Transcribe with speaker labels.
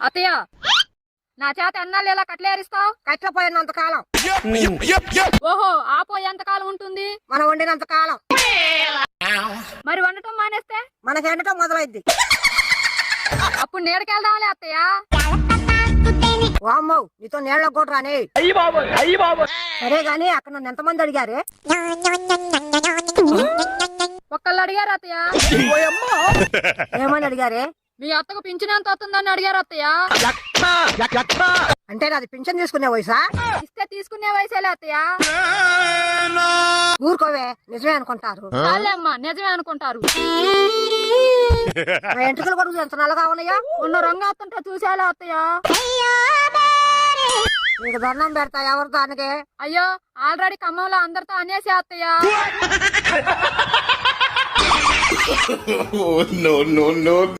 Speaker 1: అత్తయ్య నా చేత ఎన్నాళ్ళు ఇలా కట్లేరిస్తావు?
Speaker 2: కట్టపోయినంత కాలం.
Speaker 1: ఓహో ఆ పోయి ఎంత కాలం ఉంటుంది?
Speaker 2: మనం వండినంత కాలం.
Speaker 1: మరి వండటం మానేస్తే
Speaker 2: మనకి ఎండటం మొదలైద్ది.
Speaker 1: అప్పుడు నీడకెళ్దాంలే అత్తయ్య.
Speaker 2: వామ్మో నీతో నీళ్ళ కూడా రాని. సరే గాని అక్కడ నన్ను ఎంతమంది అడిగారే?
Speaker 1: ఒక్కళ్ళు అడిగారు అత్తయ్య.
Speaker 2: ఏమని అడిగారే?
Speaker 1: మీ అత్తకు పింఛన్ ఎంత వస్తుందని అడిగారు అత్తయ్య.
Speaker 2: అంటే నాది పింఛన్ తీసుకునే వయసా?
Speaker 1: ఇస్తే తీసుకునే వయసేలే అత్తయ్య.
Speaker 2: ఊరుకోవే, నిజమే అనుకుంటారు.
Speaker 1: అమ్మా నిజమే అనుకుంటారు.
Speaker 2: నా ఎంట్రుకలు కూడా ఎంత నల్లగా ఉన్నాయా?
Speaker 1: ఉన్న రంగు వస్తుంటే చూసేలా అత్తయ్య.
Speaker 2: నీకు దండం పెడతా ఎవరు దానికి?
Speaker 1: అయ్యో ఆల్రెడీ ఖమ్మంలో అందరితో అనేసి అత్తయ్య.
Speaker 3: no, no, no.